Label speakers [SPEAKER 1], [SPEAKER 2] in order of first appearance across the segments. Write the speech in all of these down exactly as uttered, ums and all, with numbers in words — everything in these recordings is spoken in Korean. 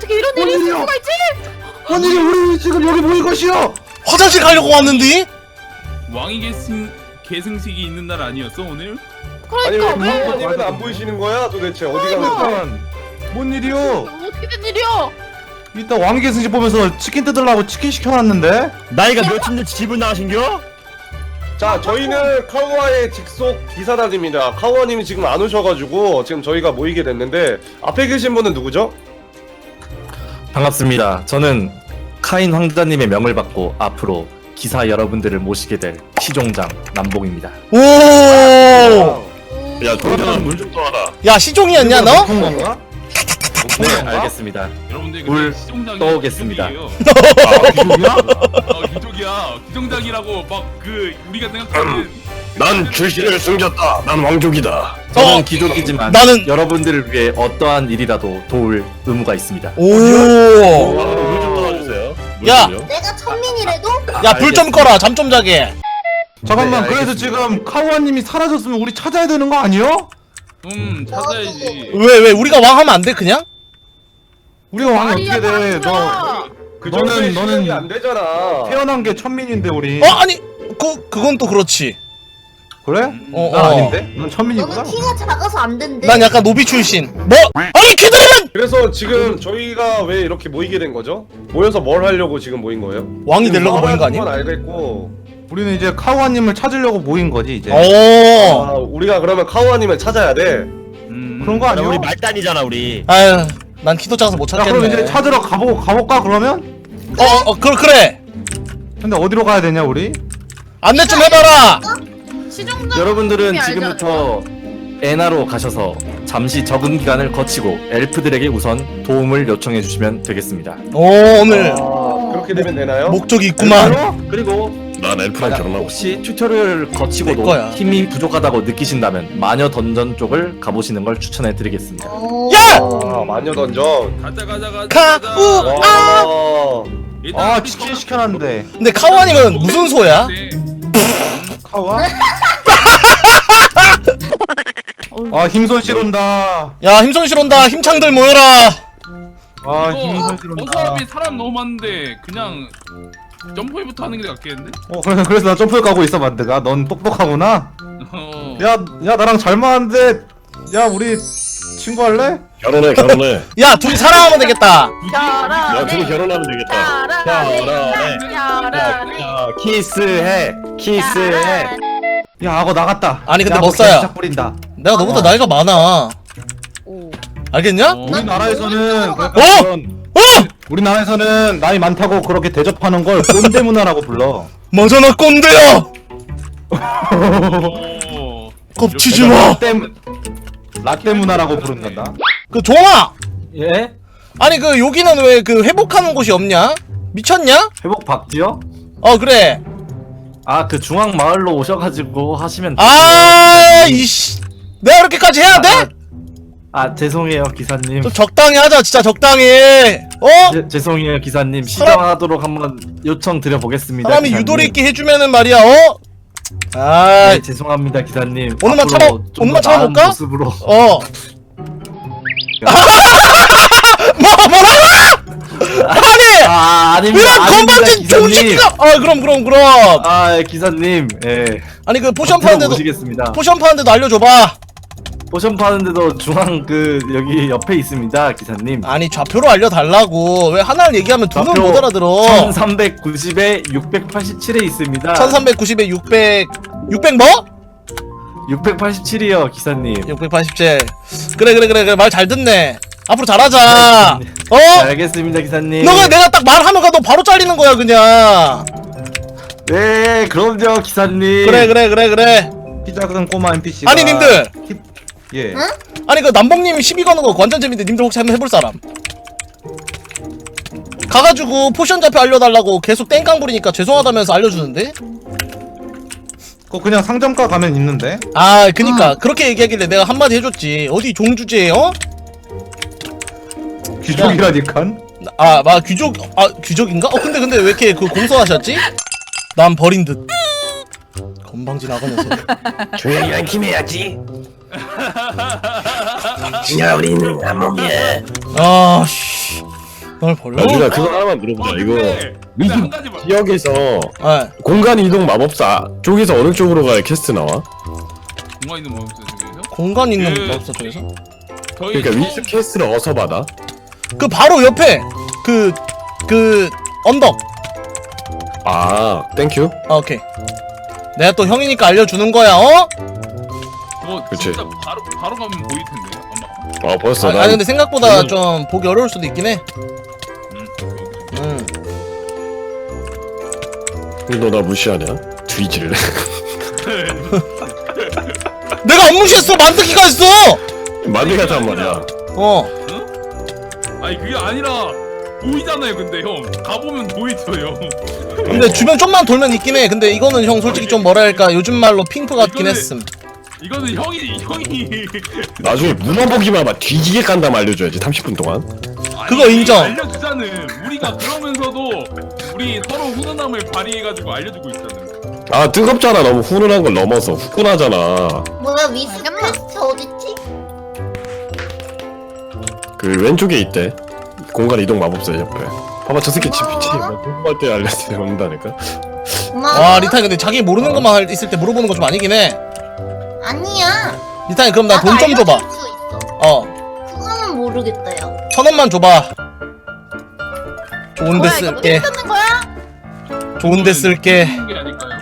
[SPEAKER 1] 어떻게 이런 일이 있을 수가 있지?
[SPEAKER 2] 아니 우리 지금 여기 모인 것이요.
[SPEAKER 3] 화장실 가려고 왔는데?
[SPEAKER 4] 왕위 계승 계승식이 있는 날 아니었어 오늘?
[SPEAKER 5] 아니 왜
[SPEAKER 1] 그러니까 왜?
[SPEAKER 5] 부모님은 안 보이시는 거야 도대체 어디 가는 거야?
[SPEAKER 2] 일단 뭔 일이요?
[SPEAKER 1] 어떻게 된 일이야?
[SPEAKER 2] 이따 왕계 승식 보면서 치킨 뜯으려고 치킨 시켜놨는데.
[SPEAKER 6] 나이가 몇인데 집을 나가신겨?
[SPEAKER 5] 자 저희는 카우아의 직속 기사단입니다. 카우아님이 지금 안 오셔가지고 지금 저희가 모이게 됐는데 앞에 계신 분은 누구죠?
[SPEAKER 7] 반갑습니다. 저는 카인 황자님의 명을 받고 앞으로 기사 여러분들을 모시게 될 시종장 남봉입니다.
[SPEAKER 3] 오!
[SPEAKER 6] 야 동생은 물 좀 떠와라.
[SPEAKER 3] 야, 시종이었냐, 너?
[SPEAKER 2] 높은 건가?
[SPEAKER 7] 네, 알겠습니다.
[SPEAKER 4] 여러분들
[SPEAKER 7] 물
[SPEAKER 4] 근데 시종장이
[SPEAKER 7] 떠오겠습니다.
[SPEAKER 4] 귀족이에요.
[SPEAKER 2] 아, 기종이야?
[SPEAKER 4] 어 귀족이야. 귀종장이라고 막 그 우리가 생각하는
[SPEAKER 6] 난 출신을 숨겼다. 난 왕족이다.
[SPEAKER 7] 저는
[SPEAKER 3] 어,
[SPEAKER 7] 귀족이지만
[SPEAKER 3] 나는-
[SPEAKER 7] 여러분들을 위해 어떠한 일이라도 도울 의무가 있습니다.
[SPEAKER 3] 오!
[SPEAKER 6] 물 좀 떠와주세요. 물
[SPEAKER 3] 야!
[SPEAKER 6] 좀요.
[SPEAKER 8] 내가 천민이래도?
[SPEAKER 3] 야, 불 좀 꺼라. 잠 좀 자게.
[SPEAKER 2] 잠깐만
[SPEAKER 7] 네,
[SPEAKER 2] 그래서 지금 카우아님이 사라졌으면 우리 찾아야 되는 거 아니요?
[SPEAKER 4] 음 찾아야지.
[SPEAKER 3] 왜, 왜? 우리가 왕 하면 안 돼, 그냥?
[SPEAKER 2] 우리가 왕이
[SPEAKER 1] 아니야,
[SPEAKER 2] 어떻게 돼? 너
[SPEAKER 1] 사람들아.
[SPEAKER 5] 그
[SPEAKER 2] 너는-
[SPEAKER 5] 정도의
[SPEAKER 2] 너는
[SPEAKER 5] 실력이 안 되잖아.
[SPEAKER 2] 태어난 게 천민인데 우리.
[SPEAKER 3] 어, 아니, 그, 그건 또 그렇지.
[SPEAKER 2] 그래?
[SPEAKER 3] 어,
[SPEAKER 2] 난
[SPEAKER 3] 어.
[SPEAKER 2] 아닌데? 넌 천민이구나.
[SPEAKER 8] 너는 키가 작아서 안 된대.
[SPEAKER 3] 난 약간 노비 출신. 뭐? 아니, 걔들은!
[SPEAKER 5] 그래서 지금 저희가 왜 이렇게 모이게 된 거죠? 모여서 뭘 하려고 지금 모인 거예요?
[SPEAKER 3] 왕이 되려고 모인 거 아니야?
[SPEAKER 5] 건 알겠고
[SPEAKER 2] 우리는 이제 카우아님을 찾으려고 모인 거지 이제.
[SPEAKER 3] 오.
[SPEAKER 5] 아, 우리가 그러면 카우아님을 찾아야 돼.
[SPEAKER 4] 음.
[SPEAKER 2] 그런 거
[SPEAKER 6] 야,
[SPEAKER 2] 아니야?
[SPEAKER 6] 우리 말단이잖아 우리.
[SPEAKER 3] 아유, 난 키도 작아서 못
[SPEAKER 2] 야 그럼 이제
[SPEAKER 3] 찾겠네.
[SPEAKER 2] 찾으러 가보 가볼까 그러면?
[SPEAKER 3] 어, 어, 그래, 그래.
[SPEAKER 2] 근데 어디로 가야 되냐 우리?
[SPEAKER 3] 안내 좀 해봐라.
[SPEAKER 1] 시종장
[SPEAKER 7] 여러분들은
[SPEAKER 1] 알지
[SPEAKER 7] 지금부터 에나로 가셔서 잠시 적응 기간을 거치고 엘프들에게 우선 도움을 요청해 주시면 되겠습니다.
[SPEAKER 3] 오, 오늘
[SPEAKER 5] 아, 그렇게 되면 되나요?
[SPEAKER 3] 목적이 있구만.
[SPEAKER 2] 엘프로?
[SPEAKER 7] 그리고
[SPEAKER 6] 난 엘프랑
[SPEAKER 7] 만약
[SPEAKER 6] 결혼하고.
[SPEAKER 7] 혹시 튜토리얼을
[SPEAKER 3] 내
[SPEAKER 7] 거치고도
[SPEAKER 3] 거야.
[SPEAKER 7] 힘이 부족하다고 느끼신다면 마녀 던전 쪽을 가보시는 걸 추천해 드리겠습니다.
[SPEAKER 8] 어...
[SPEAKER 3] 야!
[SPEAKER 5] 아 마녀 던전.
[SPEAKER 4] 가자 가자 가자.
[SPEAKER 3] 가,
[SPEAKER 4] 가자.
[SPEAKER 3] 우,
[SPEAKER 5] 와.
[SPEAKER 4] 일단
[SPEAKER 2] 아
[SPEAKER 4] 우리
[SPEAKER 2] 치킨
[SPEAKER 4] 거-
[SPEAKER 2] 시켜놨는데.
[SPEAKER 3] 근데 카우아님은 무슨 소야?
[SPEAKER 4] 네.
[SPEAKER 2] 카우아? 아 힘손실 온다.
[SPEAKER 3] 야, 힘손실 온다. 힘창들 모여라.
[SPEAKER 2] 아
[SPEAKER 4] 이거
[SPEAKER 2] 힘손실 온다.
[SPEAKER 4] 어차피 사람 너무 많은데 그냥 점프회부터 하는 게 낫겠는데?
[SPEAKER 2] 어 그래서 그래서 나 점프를 까고 있어 만드가. 넌 똑똑하구나.
[SPEAKER 4] 어.
[SPEAKER 2] 야 야 나랑 잘 맞는데. 야 우리 친구 할래?
[SPEAKER 6] 결혼해 결혼해.
[SPEAKER 3] 야, 둘이 사랑하면 되겠다.
[SPEAKER 6] 야 둘이 결혼하면 되겠다. 결혼해. 야 키스해. 키스해.
[SPEAKER 2] 야 악어 나갔다.
[SPEAKER 3] 아니, 근데
[SPEAKER 2] 야, 악어
[SPEAKER 3] 멋사야.
[SPEAKER 2] 개짝 뿌린다.
[SPEAKER 3] 내가 너보다 나이가 많아. 알겠냐?
[SPEAKER 4] 어.
[SPEAKER 2] 우리나라에서는 그러니까
[SPEAKER 3] 어?
[SPEAKER 2] 그런
[SPEAKER 3] 어!
[SPEAKER 2] 우리나라에서는 나이 많다고 그렇게 대접하는 걸 꼰대 문화라고 불러.
[SPEAKER 3] 맞아, 나 꼰대야.
[SPEAKER 4] 어.
[SPEAKER 3] 겁치지 마.
[SPEAKER 2] 라떼 라떼 문화라고 부른단다.
[SPEAKER 3] 그 종아.
[SPEAKER 7] 예?
[SPEAKER 3] 아니, 그 여기는 왜 그 회복하는 곳이 없냐? 미쳤냐?
[SPEAKER 7] 회복 박지요?
[SPEAKER 3] 어, 그래.
[SPEAKER 7] 아 그 중앙 마을로 오셔가지고 하시면
[SPEAKER 3] 아, 이씨. 내가 그렇게까지 해야 돼?
[SPEAKER 7] 아 죄송해요 기사님.
[SPEAKER 3] 좀 적당히 하자, 진짜 적당히. 어?
[SPEAKER 7] 제, 죄송해요 기사님.
[SPEAKER 3] 사람-
[SPEAKER 7] 시정하도록 한번 요청 드려보겠습니다.
[SPEAKER 3] 사람이
[SPEAKER 7] 기사님.
[SPEAKER 3] 유도리 있게 해주면은 말이야, 어? 아,
[SPEAKER 7] 네, 죄송합니다 기사님.
[SPEAKER 3] 오늘만
[SPEAKER 7] 앞으로
[SPEAKER 3] 참아-
[SPEAKER 7] 좀 더
[SPEAKER 3] 오늘만
[SPEAKER 7] 나은
[SPEAKER 3] 참아볼까?
[SPEAKER 7] 모습으로.
[SPEAKER 3] 어. 뭐, 뭐라고? 아니!
[SPEAKER 7] 아 아닙니다.
[SPEAKER 3] 이런
[SPEAKER 7] 아닙니다,
[SPEAKER 3] 건방진 좋은
[SPEAKER 7] 기사님.
[SPEAKER 3] 새끼가! 아, 그럼, 그럼, 그럼.
[SPEAKER 7] 아 예, 기사님. 예.
[SPEAKER 3] 아니, 그 포션
[SPEAKER 7] 앞으로
[SPEAKER 3] 파는데도,
[SPEAKER 7] 모시겠습니다.
[SPEAKER 3] 포션 파는데도 알려줘봐.
[SPEAKER 7] 포션 파는데도 중앙 그 여기 옆에 있습니다 기사님.
[SPEAKER 3] 아니, 좌표로 알려달라고. 왜 하나를 얘기하면 두 명
[SPEAKER 7] 좌표
[SPEAKER 3] 못 알아들어.
[SPEAKER 7] 천삼백구십에 육백팔십칠에 있습니다.
[SPEAKER 3] 천삼백구십에 육백, 육백 뭐?
[SPEAKER 7] 육백팔십칠이요 기사님.
[SPEAKER 3] 육백팔십칠. 그래, 그래, 그래, 그래. 말 잘 듣네. 앞으로 잘하자. 어?
[SPEAKER 7] 네, 알겠습니다 기사님.
[SPEAKER 3] 너가 내가 딱 말하면 너 바로 잘리는 거야, 그냥.
[SPEAKER 7] 네 그럼요 기사님.
[SPEAKER 3] 그래, 그래, 그래, 그래.
[SPEAKER 2] 키 작은 꼬마 엔피씨가.
[SPEAKER 3] 아니, 님들.
[SPEAKER 2] 예.
[SPEAKER 3] 아니, 그 남봉님이 시비 거는 거 완전 재밌는데 님들 혹시 한번 해볼 사람? 가가지고 포션 좌표 알려달라고 계속 땡깡 부리니까 죄송하다면서 알려주는데?
[SPEAKER 2] 그거 그냥 상점가 가면 있는데.
[SPEAKER 3] 아, 그니까 그렇게 얘기하길래 내가 한마디 해줬지. 어디 종주제, 어?
[SPEAKER 2] 귀족이라니깐.
[SPEAKER 3] 아, 막 귀족, 아, 귀족인가? 어, 근데 근데 왜 이렇게 그 공손하셨지? 난 버린 듯. 건방진 악어 녀석.
[SPEAKER 6] 조용히 안심해야지. 야 우리는 한 몸이야.
[SPEAKER 3] 아, 씨. 널 벌러?
[SPEAKER 6] 야 준아 그거 하나만 물어보자.
[SPEAKER 4] 어,
[SPEAKER 6] 이거
[SPEAKER 4] 근데, 근데
[SPEAKER 6] 미드
[SPEAKER 4] 한 가지 봐.
[SPEAKER 6] 지역에서
[SPEAKER 3] 네.
[SPEAKER 6] 공간 이동 마법사 쪽에서 어느 쪽으로 가야 캐스트 나와?
[SPEAKER 4] 공간 있는 뭐 없어요 저기서?
[SPEAKER 3] 공간 있는
[SPEAKER 4] 그-
[SPEAKER 3] 마법사 쪽에서?
[SPEAKER 4] 저희
[SPEAKER 6] 그러니까
[SPEAKER 4] 처음-
[SPEAKER 6] 위스 캐스트를 어디서 받아?
[SPEAKER 3] 그 바로 옆에 그 그 언덕.
[SPEAKER 6] 아 땡큐.
[SPEAKER 3] 아 오케이. 내가 또 형이니까 알려주는 거야. 어?
[SPEAKER 4] 그거
[SPEAKER 6] 그치.
[SPEAKER 4] 진짜 바로 바로 가면 보일 텐데 아마.
[SPEAKER 6] 아 벌써
[SPEAKER 3] 아,
[SPEAKER 6] 난
[SPEAKER 3] 아니 근데 생각보다
[SPEAKER 6] 음.
[SPEAKER 3] 좀 보기 어려울 수도 있긴 해.
[SPEAKER 4] 음.
[SPEAKER 3] 응.
[SPEAKER 6] 너 나 무시하냐? 뒤질래.
[SPEAKER 3] 내가 안 무시했어. 만드기가 했어.
[SPEAKER 6] 많이 가단 말이야.
[SPEAKER 3] 어.
[SPEAKER 4] 아니 그게 아니라 보이잖아요. 근데 형 가보면 보이죠 형.
[SPEAKER 3] 근데 주변 좀만 돌면 있긴 해. 근데 이거는 형 솔직히 좀 뭐랄까 요즘 말로 핑크 같긴
[SPEAKER 4] 이거는-
[SPEAKER 3] 했음.
[SPEAKER 4] 이거는 형이 형이
[SPEAKER 6] 나중에 문어 보기만 막 뒤지게 깐다면 알려줘야지. 삼십 분 동안.
[SPEAKER 3] 그거
[SPEAKER 4] 아니,
[SPEAKER 3] 인정.
[SPEAKER 4] 알려주자는 우리가 그러면서도 우리 서로 훈훈함을 발휘해가지고 알려주고 있잖아요.
[SPEAKER 6] 아 뜨겁잖아. 너무 훈훈한 걸 넘어서 후끈하잖아.
[SPEAKER 8] 뭐야 위스 퀘스트 어딨지?
[SPEAKER 6] 그 왼쪽에 있대. 공간 이동 마법사 옆에. 봐봐 저 새끼 집 피치. 궁금할 때 알려준다니까.
[SPEAKER 8] 고마워.
[SPEAKER 3] 와 리타이 근데 자기 모르는 것만 할- 있을 때 물어보는 거 좀 아니긴 해.
[SPEAKER 8] 아니야.
[SPEAKER 3] 리타이 그럼 나 돈 좀 줘봐.
[SPEAKER 8] 알려줄 수 있어.
[SPEAKER 3] 어.
[SPEAKER 8] 그거는 모르겠다요.
[SPEAKER 3] 천 원만 줘봐. 좋은데
[SPEAKER 1] 뭐야 이거
[SPEAKER 3] 쓸게.
[SPEAKER 1] 뭐 쓰는 거야?
[SPEAKER 3] 좋은데 쓸게.
[SPEAKER 4] 하는 게 아닐까요?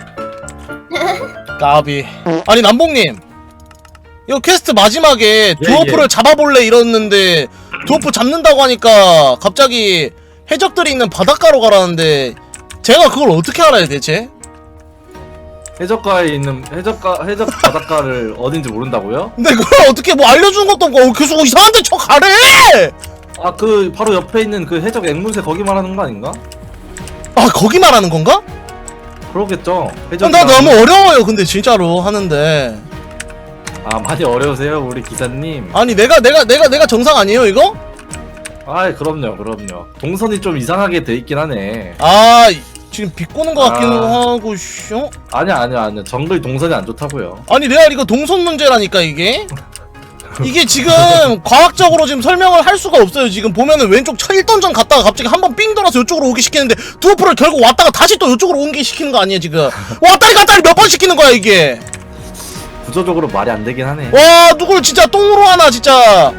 [SPEAKER 3] 까비. 아니 남봉님. 이거 퀘스트 마지막에
[SPEAKER 7] 예,
[SPEAKER 3] 드워프를
[SPEAKER 7] 예.
[SPEAKER 3] 잡아볼래 이러는데 드워프 잡는다고 하니까 갑자기 해적들이 있는 바닷가로 가라는데 제가 그걸 어떻게 알아야 대체?
[SPEAKER 7] 해적가에 있는 해적가 해적 바닷가를 어딘지 모른다고요?
[SPEAKER 3] 근데 그걸 어떻게 뭐 알려주는 것도 없고 어, 계속 이상한 데 쳐 가래!
[SPEAKER 7] 아 그 바로 옆에 있는 그 해적 앵무새 거기 말하는 거 아닌가?
[SPEAKER 3] 아 거기 말하는 건가?
[SPEAKER 7] 그러겠죠.
[SPEAKER 3] 아,
[SPEAKER 7] 해적
[SPEAKER 3] 나 너무 어려워요 근데 진짜로 하는데.
[SPEAKER 7] 아 많이 어려우세요 우리 기사님.
[SPEAKER 3] 아니 내가 내가 내가 내가 정상 아니에요 이거?
[SPEAKER 7] 아 그럼요 그럼요. 동선이 좀 이상하게 돼 있긴 하네.
[SPEAKER 3] 아 이- 지금 비꼬는 것 같기는
[SPEAKER 7] 아.
[SPEAKER 3] 하고 씨, 어?
[SPEAKER 7] 아니야 아니야 아니야 정글 동선이 안 좋다고요.
[SPEAKER 3] 아니 레알 이거 동선 문제라니까 이게 이게 지금 과학적으로 지금 설명을 할 수가 없어요. 지금 보면은 왼쪽 일 던전 갔다가 갑자기 한 번 삥 돌아서 이쪽으로 오게 시키는데 드워프를 결국 왔다가 다시 또 이쪽으로 오게 시키는 거 아니에요 지금. 왔다리 갔다리 몇 번 시키는 거야 이게.
[SPEAKER 7] 구조적으로 말이 안 되긴 하네.
[SPEAKER 3] 와 누굴 진짜 똥으로 하나 진짜.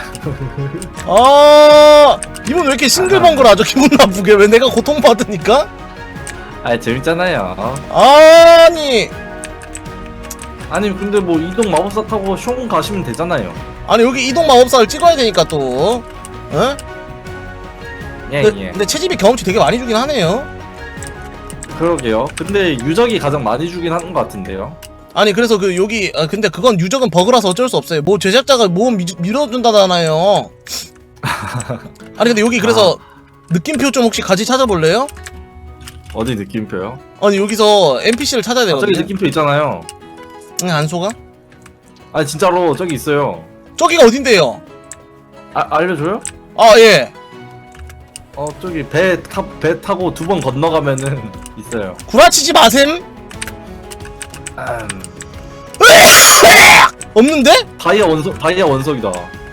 [SPEAKER 3] 아 이분 왜 이렇게 싱글벙글하죠 기분 나쁘게. 왜 내가 고통받으니까?
[SPEAKER 7] 아 재밌잖아요.
[SPEAKER 3] 아니
[SPEAKER 7] 아니 근데 뭐 이동 마법사 타고 숑 가시면 되잖아요.
[SPEAKER 3] 아니 여기 이동 마법사를 찍어야 되니까 또 어?
[SPEAKER 7] 예
[SPEAKER 3] 근데,
[SPEAKER 7] 예.
[SPEAKER 3] 근데 채집이 경험치 되게 많이 주긴 하네요.
[SPEAKER 7] 그러게요. 근데 유적이 가장 많이 주긴 하는 것 같은데요.
[SPEAKER 3] 아니 그래서 그 여기 아, 근데 그건 유적은 버그라서 어쩔 수 없어요. 뭐 제작자가 뭐 미, 밀어준다잖아요. 아니 근데 여기 그래서 느낌표 좀 혹시 같이 찾아볼래요?
[SPEAKER 7] 어디 느낌표요?
[SPEAKER 3] 아니 여기서 엔피씨를 찾아야
[SPEAKER 7] 아, 저기
[SPEAKER 3] 되거든요.
[SPEAKER 7] 느낌표 있잖아요.
[SPEAKER 3] 응, 안 속아?
[SPEAKER 7] 아니 진짜로 저기 있어요.
[SPEAKER 3] 저기가 어딘데요?
[SPEAKER 7] 아 알려줘요?
[SPEAKER 3] 아 예.
[SPEAKER 7] 어 저기 배, 타, 배 타고 두 번 건너가면은 있어요.
[SPEAKER 3] 구라치지 마셈.
[SPEAKER 7] 음,
[SPEAKER 3] 없는데?
[SPEAKER 7] 다이아 원석 다이아 원석이다.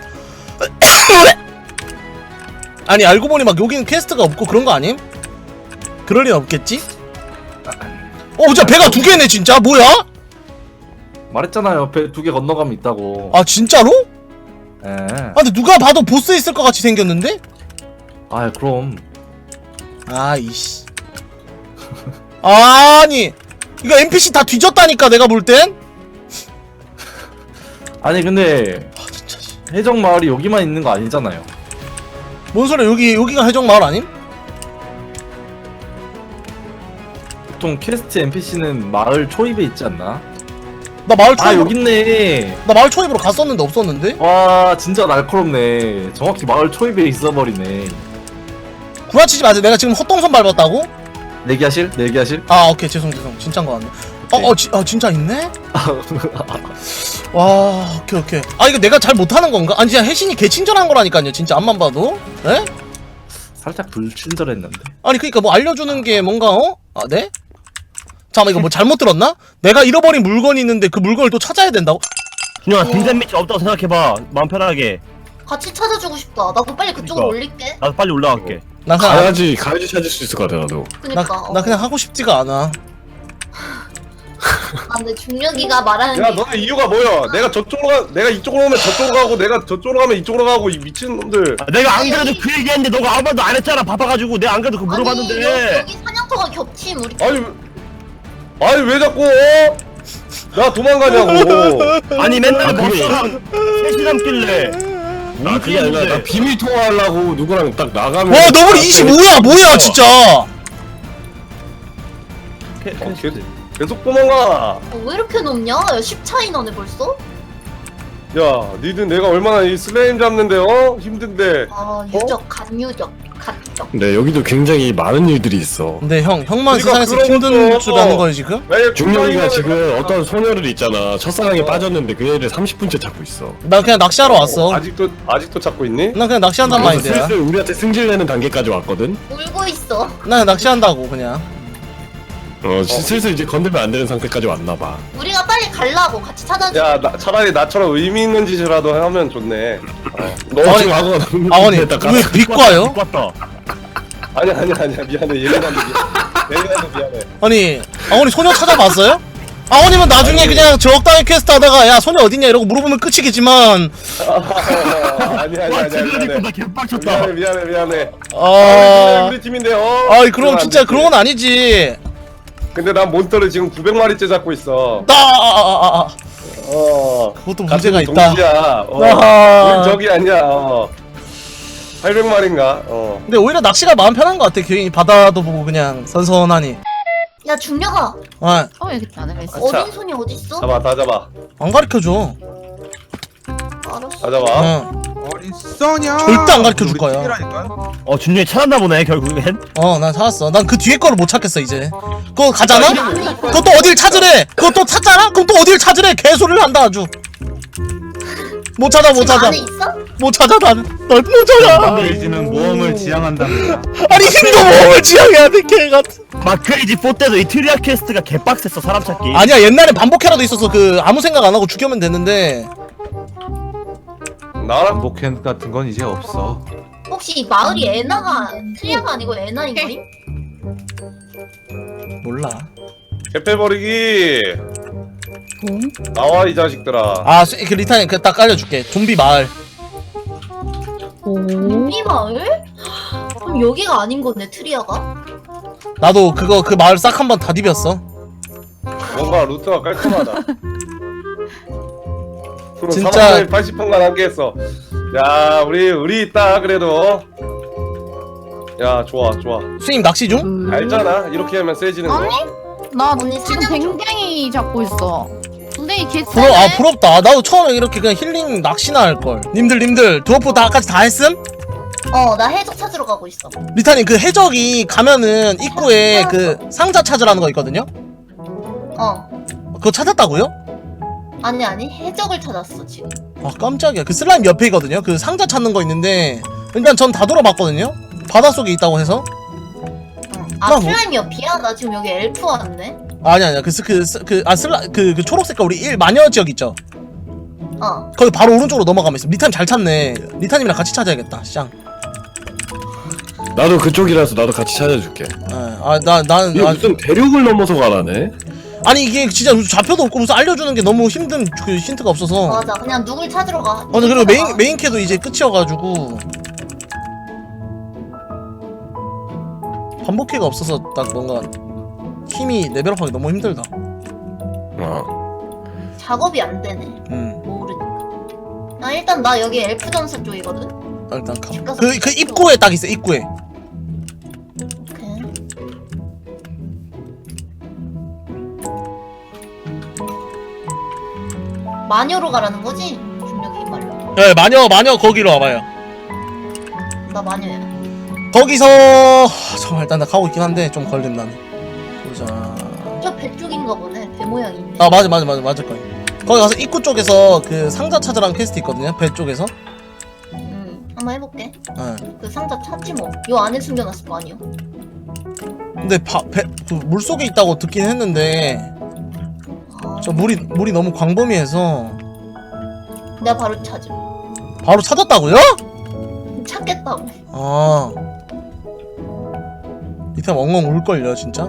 [SPEAKER 3] 아니 알고 보니 막 여기는 퀘스트가 없고 그런 거 아님? 그럴 리는 없겠지? 어 진짜 배가 두 개네 진짜 뭐야?
[SPEAKER 7] 말했잖아요. 배 두 개 건너가면 있다고.
[SPEAKER 3] 아 진짜로?
[SPEAKER 7] 예.
[SPEAKER 3] 아 근데 누가 봐도 보스 있을 것 같이 생겼는데?
[SPEAKER 7] 아 그럼
[SPEAKER 3] 아 이씨. 아니 이거 엔피씨 다 뒤졌다니까 내가 볼 땐?
[SPEAKER 7] 아니 근데 해적 마을이 여기만 있는 거 아니잖아요.
[SPEAKER 3] 뭔 소리야 여기 여기가 해적 마을 아님?
[SPEAKER 7] 보통 퀘스트 엔피씨는 마을 초입에 있지 않나?
[SPEAKER 3] 나 마을
[SPEAKER 7] 아
[SPEAKER 3] 초입으로
[SPEAKER 7] 여기 있네.
[SPEAKER 3] 나 마을 초입으로 갔었는데 없었는데?
[SPEAKER 7] 와 진짜 날카롭네. 정확히 마을 초입에 있어버리네.
[SPEAKER 3] 구라치지 마세요. 내가 지금 헛동선 밟았다고?
[SPEAKER 7] 내기하실? 내기하실?
[SPEAKER 3] 아 오케이 죄송 죄송 진짜인 거 같네.
[SPEAKER 7] 오케이.
[SPEAKER 3] 어, 어, 지, 아 진짜 있네? 와 오케이 오케이. 아 이거 내가 잘 못하는 건가? 아니 진짜 혜신이 개친절한 거라니까요 진짜 앞만 봐도. 에?
[SPEAKER 7] 살짝 불친절했는데.
[SPEAKER 3] 아니 그니까 뭐 알려주는 게 뭔가 어? 아 네? 잠깐만 이거 뭐 잘못 들었나? 내가 잃어버린 물건이 있는데 그 물건을 또 찾아야 된다고?
[SPEAKER 6] 준영아 등산 밑이 없다고 생각해봐. 마음 편하게.
[SPEAKER 8] 같이 찾아주고 싶다. 나도 빨리 그쪽으로
[SPEAKER 6] 그러니까.
[SPEAKER 8] 올릴게.
[SPEAKER 6] 나도 빨리 올라갈게.
[SPEAKER 3] 나 그냥
[SPEAKER 6] 가야지 가야지 찾을 수 있을 것 같아 나도.
[SPEAKER 8] 그니까.
[SPEAKER 3] 나,
[SPEAKER 8] 어.
[SPEAKER 3] 나 그냥 하고 싶지가 않아.
[SPEAKER 8] 아 근데 중력이가 말하는
[SPEAKER 5] 야
[SPEAKER 8] 게
[SPEAKER 5] 너네 이유가 뭐야? 내가 저쪽으로 가 내가 이쪽으로 오면 저쪽으로 가고 내가 저쪽으로 가면 이쪽으로 가고 이 미친놈들.
[SPEAKER 9] 아, 내가 안 그래도 그 얘기했는데 너가 아무 말도 안 했잖아. 바빠가지고 내가 안 그래도 그거
[SPEAKER 8] 아니
[SPEAKER 9] 물어봤는데.
[SPEAKER 8] 여, 여기 사냥터가 겹침 우리.
[SPEAKER 5] 아니 왜- 아니 왜 자꾸 어? 나 도망가냐고.
[SPEAKER 9] 아니 맨날
[SPEAKER 6] 아, 그게-
[SPEAKER 9] 버스랑 셋이 남길래.
[SPEAKER 6] 아 그게 아니라 나 비밀 통화하려고 누구랑 딱 나가면.
[SPEAKER 3] 와 너블 이십오야 뭐야 진짜.
[SPEAKER 5] 어, 계속, 계속 도망가.
[SPEAKER 8] 어, 왜 이렇게 높냐? 야, 십 차이 나네 벌써?
[SPEAKER 5] 야 니들 내가 얼마나 이 슬레임 잡는데 어? 힘든데.
[SPEAKER 8] 아 유적 간유적 갓적.
[SPEAKER 6] 네 여기도 굉장히 많은 일들이 있어.
[SPEAKER 3] 근데 형 형만
[SPEAKER 5] 우리가
[SPEAKER 3] 세상에서
[SPEAKER 5] 그런
[SPEAKER 3] 힘든
[SPEAKER 5] 것도
[SPEAKER 3] 줄 아는 거야 지금?
[SPEAKER 5] 왜
[SPEAKER 6] 중력이가
[SPEAKER 5] 쿠팡이면은-
[SPEAKER 6] 지금 어떤 소녀를 있잖아 첫사랑에 빠졌는데 그 애를 삼십 분째 찾고 있어.
[SPEAKER 3] 나 그냥 낚시하러 왔어.
[SPEAKER 5] 아직도 아직도 찾고 있니?
[SPEAKER 3] 나 그냥 낚시한단
[SPEAKER 6] 그래서
[SPEAKER 3] 마인드야.
[SPEAKER 6] 슬슬 우리한테 승질내는 단계까지 왔거든.
[SPEAKER 8] 울고 있어.
[SPEAKER 3] 나 그냥 낚시한다고 그냥.
[SPEAKER 6] 어 시- 슬슬 이제 건들면 안 되는 상태까지 왔나봐.
[SPEAKER 8] 우리가 빨리 갈라고 같이 찾아줘.
[SPEAKER 5] 야 나, 차라리 나처럼 의미 있는 짓이라도 하면 좋네.
[SPEAKER 6] 너
[SPEAKER 3] 아니,
[SPEAKER 6] 지금 하고
[SPEAKER 3] 아버님 왜 비과요?
[SPEAKER 9] 왔다.
[SPEAKER 5] 아니야 아니야 아니야 미안해 예민한데 미안해. 예민한데 미안해.
[SPEAKER 3] 아니 아버님 소녀 찾아봤어요? 아버님은 나중에 그냥 적당히 퀘스트 하다가 야 소녀 어딨냐 이러고 물어보면 끝이겠지만
[SPEAKER 5] 아니야 아니야
[SPEAKER 9] 와
[SPEAKER 5] 아니야
[SPEAKER 9] 제대로
[SPEAKER 5] 미안해.
[SPEAKER 9] 입고 나 개빡쳤다.
[SPEAKER 5] 미안해 미안해 미안해.
[SPEAKER 3] 아...
[SPEAKER 5] 우리 팀인데 어.
[SPEAKER 3] 아이 그럼
[SPEAKER 5] 그러면
[SPEAKER 3] 진짜
[SPEAKER 5] 안 되지.
[SPEAKER 3] 그런 건 아니지.
[SPEAKER 5] 근데 난 몬스터를 지금 구백 마리째 잡고 있어.
[SPEAKER 3] 나 아, 아, 아, 아.
[SPEAKER 5] 어.
[SPEAKER 3] 그것도
[SPEAKER 5] 같은
[SPEAKER 3] 문제가 있다.
[SPEAKER 5] 동지야. 어.
[SPEAKER 3] 아하.
[SPEAKER 5] 우린 적이 아니야. 어. 팔백 마리인가? 어.
[SPEAKER 3] 근데 오히려 낚시가 마음 편한 것 같아. 괜히 바다도 보고 그냥 선선하니.
[SPEAKER 8] 야 중력아.
[SPEAKER 3] 아,
[SPEAKER 1] 어 여기 있다 내가 있어.
[SPEAKER 5] 아차.
[SPEAKER 8] 어린 손이 어딨어?
[SPEAKER 5] 잡아 다 잡아.
[SPEAKER 3] 안 가르쳐줘.
[SPEAKER 8] 알았어.
[SPEAKER 5] 다 잡아.
[SPEAKER 3] 응.
[SPEAKER 10] 어린 써냐?
[SPEAKER 3] 절대 안 가르쳐줄
[SPEAKER 10] 우리
[SPEAKER 3] 거야.
[SPEAKER 10] 팀이라니까?
[SPEAKER 9] 어 준영이 찾았나 보네 결국엔.
[SPEAKER 3] 어, 난 찾았어. 난 그 뒤에 거를 못 찾겠어 이제. 그거 가잖아?
[SPEAKER 8] 아니,
[SPEAKER 3] 그것도 어딜 찾으래? 그것도 찾잖아? 그럼 또 어딜 찾으래? 개소리를 한다 아주. 못 찾아 못
[SPEAKER 8] 지금
[SPEAKER 3] 찾아
[SPEAKER 8] 안에 있어?
[SPEAKER 3] 못 찾아 난널못 찾아.
[SPEAKER 2] 마크레이지는 모험을 지향한답니다.
[SPEAKER 3] 아니 힘도 모험을 지향해야 돼 개가.
[SPEAKER 9] 마크레이지 사 때도 이 트리아 퀘스트가 개빡셌어 사람 찾기.
[SPEAKER 3] 아니야 옛날에 반복해라도 있어서 그 아무 생각 안 하고 죽여면 됐는데.
[SPEAKER 5] 나랑
[SPEAKER 2] 목캔 같은 건 이제 없어.
[SPEAKER 8] 혹시 이 마을이 에나가 트리아가 아니고 에나인 거임?
[SPEAKER 3] 몰라.
[SPEAKER 5] 개패버리기. 나와 이 자식들아.
[SPEAKER 3] 아, 수- 그 리타님 그 딱 알려줄게. 좀비 마을.
[SPEAKER 8] 좀비 마을? 그럼 여기가 아닌 거네 트리아가?
[SPEAKER 3] 나도 그거 그 마을 싹 한번 다 디볐어.
[SPEAKER 5] 뭔가 루트가 깔끔하다.
[SPEAKER 3] 진짜-
[SPEAKER 5] 팔십 분간 함께 했어. 야 우리 우리 있다 그래도. 야 좋아 좋아.
[SPEAKER 3] 수님 낚시 중?
[SPEAKER 5] 알잖아 이렇게 하면 세지는 거.
[SPEAKER 1] 아니? 나
[SPEAKER 8] 언니
[SPEAKER 1] 지금
[SPEAKER 8] 사냥 좀-
[SPEAKER 1] 뱅뱅이 잡고 있어. 근데 이 개쎄네.
[SPEAKER 3] 부러 아 부럽다. 나도 처음에 이렇게 그냥 힐링 낚시나 할 걸. 님들 님들 드워프 다까지 다 했음?
[SPEAKER 8] 어 나 해적 찾으러 가고 있어.
[SPEAKER 3] 리타님 그 해적이 가면은 입구에 그 상자 찾으라는 거 있거든요.
[SPEAKER 8] 어
[SPEAKER 3] 그거 찾았다고요?
[SPEAKER 8] 아니 아니 해적을 찾았어 지금.
[SPEAKER 3] 아 깜짝이야. 그 슬라임 옆에 있거든요. 그 상자 찾는 거 있는데 일단 전 다 돌아봤거든요. 바닷속에 있다고 해서.
[SPEAKER 8] 아
[SPEAKER 3] 나 뭐-
[SPEAKER 8] 슬라임 옆이야? 나 지금 여기 엘프 왔네.
[SPEAKER 3] 아니 아니야. 그그그아 슬라 그 그 초록 색깔 우리 일 마녀 지역 있죠.
[SPEAKER 8] 어
[SPEAKER 3] 거기 바로 오른쪽으로 넘어가면 있어. 리타님 잘 찾네. 리타님이랑 같이 찾아야겠다. 쌍.
[SPEAKER 6] 나도 그쪽이라서 나도 같이 찾아줄게.
[SPEAKER 3] 아나 나는
[SPEAKER 6] 이거 무슨 대륙을 넘어서 가라네.
[SPEAKER 3] 아니 이게 진짜 무슨 좌표도 없고 무슨 알려주는 게 너무 힘든 그 힌트가 없어서.
[SPEAKER 8] 맞아 그냥 누굴 찾으러 가.
[SPEAKER 3] 어, 근데 그리고 메인 메인 캐도 이제 끝이어가지고 반복캐가 없어서 딱 뭔가 힘이 레벨업하기 너무 힘들다.
[SPEAKER 6] 어.
[SPEAKER 8] 작업이 안 되네.
[SPEAKER 3] 음,
[SPEAKER 8] 모르니까. 아 일단 나 여기 엘프 전사 쪽이거든.
[SPEAKER 3] 아, 일단 가. 그, 그 입구에 딱 있어 입구에.
[SPEAKER 8] 오케이. 마녀로 가라는 거지? 중력이 말로.
[SPEAKER 3] 예, 마녀 마녀 거기로 와봐요.
[SPEAKER 8] 나 마녀야.
[SPEAKER 3] 거기서 하, 잠깐 일단 나 가고 있긴 한데 좀 걸림 나네. 보자.
[SPEAKER 8] 저 배 쪽인가 보네. 배 모양이 있네.
[SPEAKER 3] 아 맞아 맞아 맞아 맞을 거예요. 거기 가서 입구 쪽에서 그 상자 찾으라는 퀘스트 있거든요. 배 쪽에서.
[SPEAKER 8] 음, 한번 해볼게.
[SPEAKER 3] 예.
[SPEAKER 8] 그 상자 찾지 뭐. 요 안에 숨겨놨을 거 아니야.
[SPEAKER 3] 근데 바, 배, 그 물속에 있다고 듣긴 했는데
[SPEAKER 8] 아,
[SPEAKER 3] 저 물이 물이 너무 광범위해서
[SPEAKER 8] 내가 바로 찾음.
[SPEAKER 3] 바로 찾았다고요?
[SPEAKER 8] 찾겠다고.
[SPEAKER 3] 아 리타 엉엉 울걸요 진짜.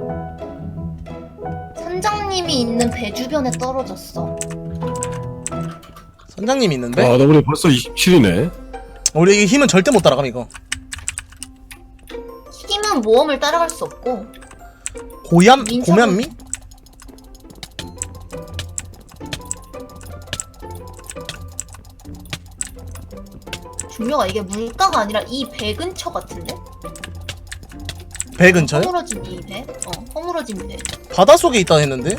[SPEAKER 8] 선장님이 있는 배 주변에 떨어졌어.
[SPEAKER 3] 선장님이 있는데?
[SPEAKER 6] 아, 나 우리 벌써 이십칠이네.
[SPEAKER 3] 우리 이게 힘은 절대 못 따라감 이거.
[SPEAKER 8] 힘은 모험을 따라갈 수 없고.
[SPEAKER 3] 고얌?
[SPEAKER 8] 민첩은-
[SPEAKER 3] 고면미?
[SPEAKER 8] 중요가 이게 물가가 아니라 이 배 근처 같은데?
[SPEAKER 3] 배 근처요?
[SPEAKER 8] 허물어진 이 배? 어, 허물어진 배.
[SPEAKER 3] 바닷속에 있다 했는데?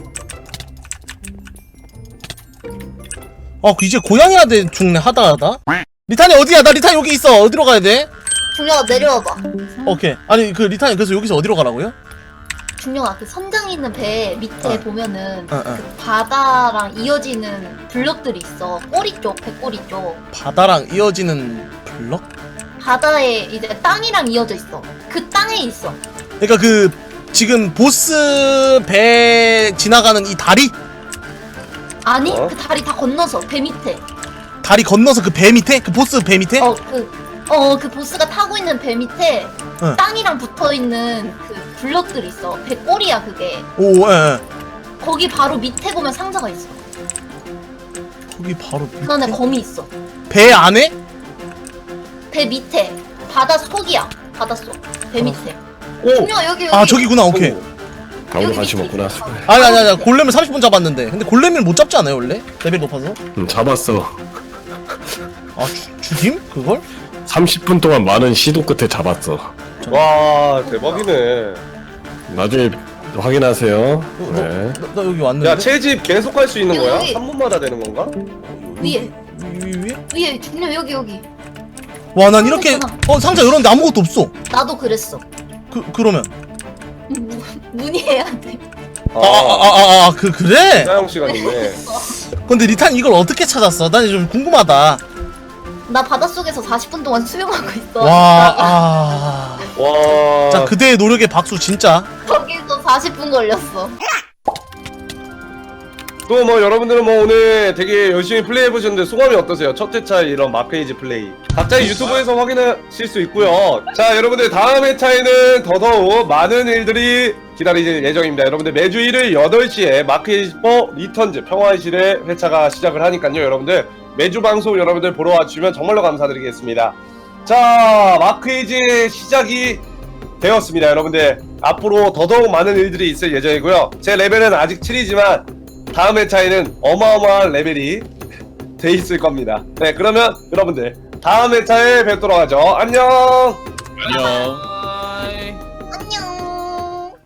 [SPEAKER 3] 아 이제 고양이한테 죽네 하다 하다. 리탄이 어디야? 나 리탄이 여기 있어. 어디로 가야 돼?
[SPEAKER 8] 중요가 내려와봐.
[SPEAKER 3] 오케이. 아니 그 리탄이 그래서 여기서 어디로 가라고요?
[SPEAKER 8] 중요가 그 선장이 있는 배 밑에
[SPEAKER 3] 어.
[SPEAKER 8] 보면은
[SPEAKER 3] 어, 어.
[SPEAKER 8] 그 바다랑 이어지는 블럭들이 있어. 꼬리 쪽, 배꼬리 쪽.
[SPEAKER 3] 바다랑 이어지는 블럭?
[SPEAKER 8] 바다에 이제 땅이랑 이어져 있어. 그 땅에 있어.
[SPEAKER 3] 그러니까 그 지금 보스 배 지나가는 이 다리?
[SPEAKER 8] 아니
[SPEAKER 5] 어?
[SPEAKER 8] 그 다리 다 건너서 배 밑에.
[SPEAKER 3] 다리 건너서 그 배 밑에? 그 보스 배 밑에?
[SPEAKER 8] 어 그 어 그 보스가 타고 있는 배 밑에
[SPEAKER 3] 어.
[SPEAKER 8] 땅이랑 붙어 있는 그 블럭들이 있어. 배 꼬리야 그게.
[SPEAKER 3] 오, 예, 예.
[SPEAKER 8] 거기 바로 밑에 보면 상자가 있어.
[SPEAKER 3] 거기 바로 밑에?
[SPEAKER 8] 그 안에 검이 있어.
[SPEAKER 3] 배 안에?
[SPEAKER 8] 배 밑에 바다 속이야. 바다 속. 배 밑에.
[SPEAKER 3] 오!
[SPEAKER 8] 중요가 여기 여기.
[SPEAKER 3] 아 저기구나. 오케이.
[SPEAKER 6] 아무도 관심 없구나.
[SPEAKER 3] 아니 아니 아니 골렘을 삼십 분 잡았는데 근데 골렘을 못 잡지 않아요 원래? 레벨 높아서?
[SPEAKER 6] 응, 잡았어.
[SPEAKER 3] 아 주, 죽임? 그걸?
[SPEAKER 6] 삼십 분 동안 많은 시도 끝에 잡았어.
[SPEAKER 5] 와 대박이네.
[SPEAKER 6] 나중에 확인하세요.
[SPEAKER 3] 너,
[SPEAKER 6] 네.
[SPEAKER 3] 너, 너 여기 왔는데?
[SPEAKER 5] 야 채집 계속 할 수 있는
[SPEAKER 8] 여기,
[SPEAKER 5] 거야?
[SPEAKER 8] 여기.
[SPEAKER 5] 삼 분마다 되는 건가?
[SPEAKER 8] 위에
[SPEAKER 3] 위, 위, 위에?
[SPEAKER 8] 위에 중요 여기 여기.
[SPEAKER 3] 와 난 이렇게
[SPEAKER 8] 있잖아.
[SPEAKER 3] 어 상자 열었는데 아무것도 없어.
[SPEAKER 8] 나도 그랬어.
[SPEAKER 3] 그 그러면
[SPEAKER 8] 문- 문의해야 돼.
[SPEAKER 3] 아 아 아 아 그 그래?
[SPEAKER 5] 사용 시간이네.
[SPEAKER 3] 근데 리탄 이걸 어떻게 찾았어? 난 좀 궁금하다.
[SPEAKER 8] 나 바닷속에서 사십 분 동안 수영하고 있어.
[SPEAKER 3] 와 아.
[SPEAKER 5] 와.
[SPEAKER 3] 자 그대의 노력에 박수 진짜.
[SPEAKER 8] 거기서 사십 분 걸렸어.
[SPEAKER 5] 또 뭐 여러분들은 뭐 오늘 되게 열심히 플레이해 보셨는데 소감이 어떠세요? 첫 회차 이런 마크에이지 플레이 각자의 유튜브에서 확인하실 수 있고요. 자 여러분들 다음 회차에는 더더욱 많은 일들이 기다릴 예정입니다. 여러분들 매주 일요일 여덟 시에 마크에이지 사 리턴즈 평화의 실의 회차가 시작을 하니까요. 여러분들 매주 방송 여러분들 보러 와주시면 정말로 감사드리겠습니다. 자 마크에이지 시작이 되었습니다. 여러분들 앞으로 더더욱 많은 일들이 있을 예정이고요. 제 레벨은 아직 칠이지만 다음 회차에는 어마어마한 레벨이 돼 있을 겁니다. 네 그러면 여러분들 다음 회차에 뵙도록 하죠. 안녕.
[SPEAKER 4] 안녕.